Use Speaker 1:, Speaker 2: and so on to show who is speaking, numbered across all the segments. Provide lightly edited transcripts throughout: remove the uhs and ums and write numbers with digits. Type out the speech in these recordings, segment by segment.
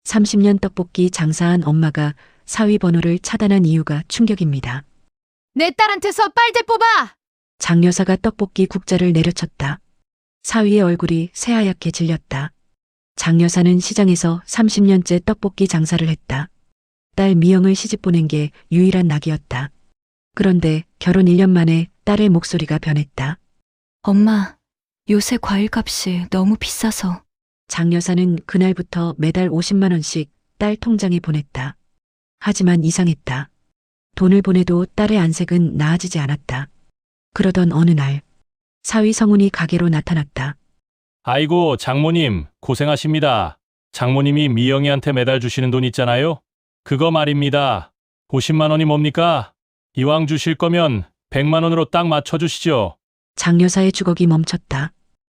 Speaker 1: 30년 떡볶이 장사한 엄마가 사위 번호를 차단한 이유가 충격입니다.
Speaker 2: 내 딸한테서 빨대 뽑아!
Speaker 1: 장 여사가 떡볶이 국자를 내려쳤다. 사위의 얼굴이 새하얗게 질렸다. 장 여사는 시장에서 30년째 떡볶이 장사를 했다. 딸 미영을 시집 보낸 게 유일한 낙이었다. 그런데 결혼 1년 만에 딸의 목소리가 변했다.
Speaker 3: 엄마, 요새 과일값이 너무 비싸서.
Speaker 1: 장 여사는 그날부터 매달 50만 원씩 딸 통장에 보냈다. 하지만 이상했다. 돈을 보내도 딸의 안색은 나아지지 않았다. 그러던 어느 날 사위 성훈이 가게로 나타났다.
Speaker 4: 아이고, 장모님, 고생하십니다. 장모님이 미영이한테 매달 주시는 돈 있잖아요? 그거 말입니다. 50만 원이 뭡니까? 이왕 주실 거면 100만 원으로 딱 맞춰주시죠.
Speaker 1: 장 여사의 주걱이 멈췄다.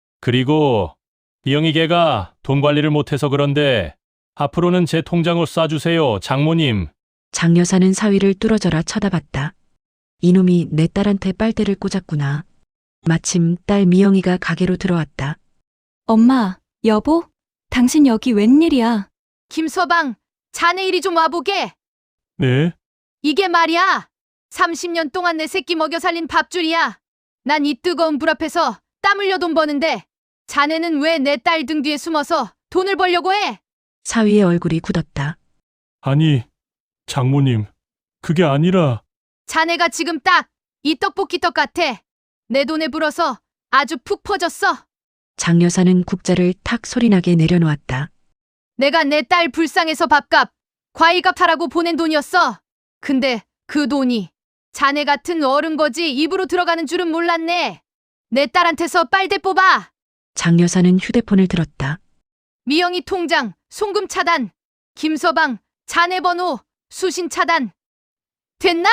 Speaker 4: 그리고 미영이 걔가 돈 관리를 못해서 그런데 앞으로는 제 통장으로 쏴주세요, 장모님.
Speaker 1: 장 여사는 사위를 뚫어져라 쳐다봤다. 이놈이 내 딸한테 빨대를 꽂았구나. 마침 딸 미영이가 가게로 들어왔다.
Speaker 3: 엄마, 여보, 당신 여기 웬일이야?
Speaker 2: 김서방, 자네 이리 좀 와보게.
Speaker 4: 네?
Speaker 2: 이게 말이야. 30년 동안 내 새끼 먹여 살린 밥줄이야. 난 이 뜨거운 불 앞에서 땀 흘려 돈 버는데 자네는 왜 내 딸 등 뒤에 숨어서 돈을 벌려고 해?
Speaker 1: 사위의 얼굴이 굳었다.
Speaker 4: 아니, 장모님, 그게 아니라...
Speaker 2: 자네가 지금 딱 이 떡볶이 떡 같아. 내 돈에 불어서 아주 푹 퍼졌어.
Speaker 1: 장 여사는 국자를 탁 소리나게 내려놓았다.
Speaker 2: 내가 내 딸 불쌍해서 밥값, 과일값 하라고 보낸 돈이었어. 근데 그 돈이 자네 같은 어른 거지 입으로 들어가는 줄은 몰랐네. 내 딸한테서 빨대 뽑아.
Speaker 1: 장 여사는 휴대폰을 들었다.
Speaker 2: 미영이 통장 송금 차단. 김서방 자네 번호 수신 차단. 됐나?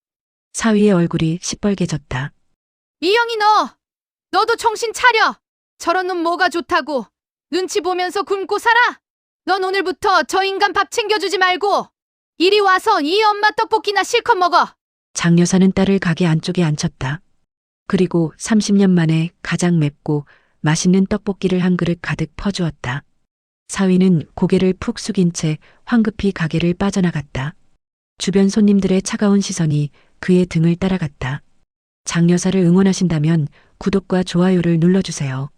Speaker 1: 사위의 얼굴이 시뻘개졌다.
Speaker 2: 미영이 너도 정신 차려. 저런 놈 뭐가 좋다고. 눈치 보면서 굶고 살아. 넌 오늘부터 저 인간 밥 챙겨주지 말고 이리 와서 이 엄마 떡볶이나 실컷 먹어.
Speaker 1: 장 여사는 딸을 가게 안쪽에 앉혔다. 그리고 30년 만에 가장 맵고 맛있는 떡볶이를 한 그릇 가득 퍼주었다. 사위는 고개를 푹 숙인 채 황급히 가게를 빠져나갔다. 주변 손님들의 차가운 시선이 그의 등을 따라갔다. 장 여사를 응원하신다면 구독과 좋아요를 눌러주세요.